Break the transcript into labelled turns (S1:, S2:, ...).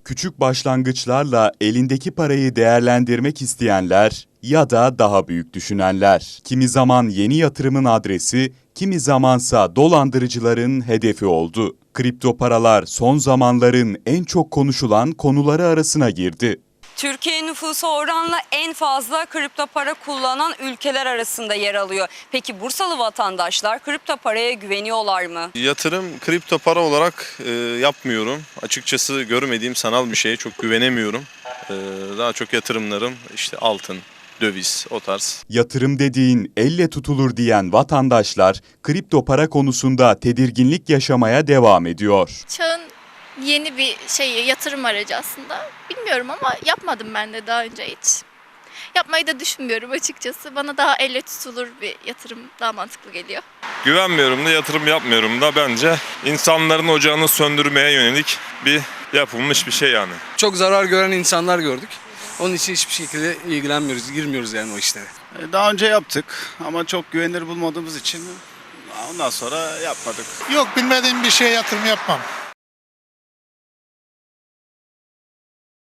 S1: Küçük başlangıçlarla elindeki parayı değerlendirmek isteyenler ya da daha büyük düşünenler. Kimi zaman yeni yatırımın adresi, kimi zamansa dolandırıcıların hedefi oldu. Kripto paralar son zamanların en çok konuşulan konuları arasına girdi.
S2: Türkiye nüfusu oranla en fazla kripto para kullanan ülkeler arasında yer alıyor. Peki Bursalı vatandaşlar kripto paraya güveniyorlar mı?
S3: Yatırım kripto para olarak yapmıyorum. Açıkçası görmediğim sanal bir şeye çok güvenemiyorum. Daha çok yatırımlarım işte altın, döviz, o tarz.
S1: Yatırım dediğin elle tutulur diyen vatandaşlar kripto para konusunda tedirginlik yaşamaya devam ediyor.
S4: Çağın yeni bir yatırım aracı aslında. Bilmiyorum ama yapmadım ben de daha önce hiç. Yapmayı da düşünmüyorum açıkçası. Bana daha elle tutulur bir yatırım daha mantıklı geliyor.
S5: Güvenmiyorum da yatırım yapmıyorum da bence insanların ocağını söndürmeye yönelik bir yapılmış bir şey yani.
S6: Çok zarar gören insanlar gördük. Onun için hiçbir şekilde ilgilenmiyoruz, girmiyoruz yani o işlere.
S7: Daha önce yaptık ama çok güvenilir bulmadığımız için ondan sonra yapmadık.
S8: Yok, bilmediğim bir şeye yatırım yapmam.